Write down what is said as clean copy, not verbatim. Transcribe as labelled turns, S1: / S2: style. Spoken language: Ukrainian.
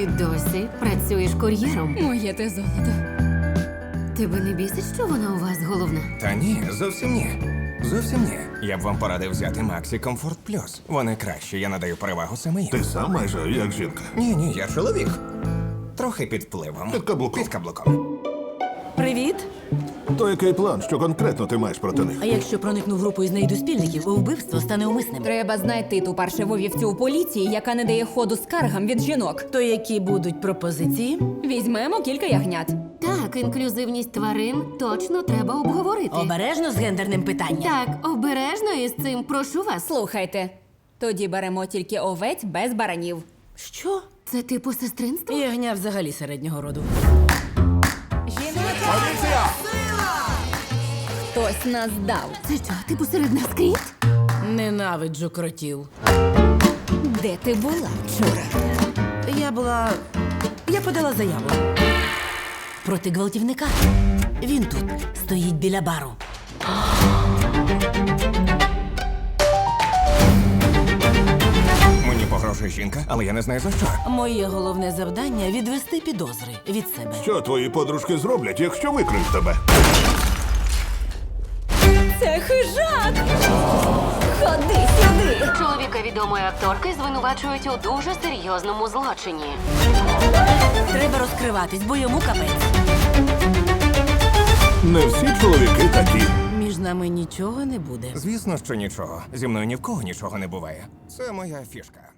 S1: Ти досі працюєш кур'єром.
S2: Моє те золото.
S1: Тебе не бісить, що вона у вас головна?
S3: Та ні, зовсім ні. Зовсім ні. Я б вам порадив взяти Максі Комфорт Плюс. Вони кращі, я надаю перевагу саме їм.
S4: Ти сам майже як жінка.
S3: Ні, я чоловік. Трохи під впливом.
S4: Під каблуком.
S3: Під каблуком.
S5: Привіт.
S4: То який план, що конкретно ти маєш проти них?
S5: А якщо проникну в групу із неїдоспільників, вбивство стане умисним.
S2: Треба знайти ту паршиву вівцю у поліції, яка не дає ходу скаргам від жінок.
S5: То які будуть пропозиції?
S2: Візьмемо кілька ягнят.
S1: Так, інклюзивність тварин точно треба обговорити.
S5: Обережно з гендерним питанням.
S1: Так, обережно із цим, прошу вас.
S2: Слухайте, тоді беремо тільки овець без баранів.
S5: Що?
S1: Це типу сестринство?
S5: Ягня взагалі середнього роду.
S4: Поліція!
S2: Хтось нас дав.
S1: Це що, типу серед нас кріт?
S5: Ненавиджу кротів.
S2: Де ти була вчора?
S5: Я подала заяву. Проти гвалтівника. Він тут стоїть біля бару.
S3: Мені погрожує жінка, але я не знаю за що.
S5: Моє головне завдання відвести підозри від себе.
S4: Що твої подружки зроблять, якщо викриють тебе?
S2: Це хижак! Ходи сюди!
S1: Чоловіка відомої акторки звинувачують у дуже серйозному злочині.
S5: Треба розкриватись, бо йому капець.
S4: Не всі чоловіки такі.
S5: Між нами нічого не буде.
S3: Звісно, що нічого. Зі мною ні в кого нічого не буває. Це моя фішка.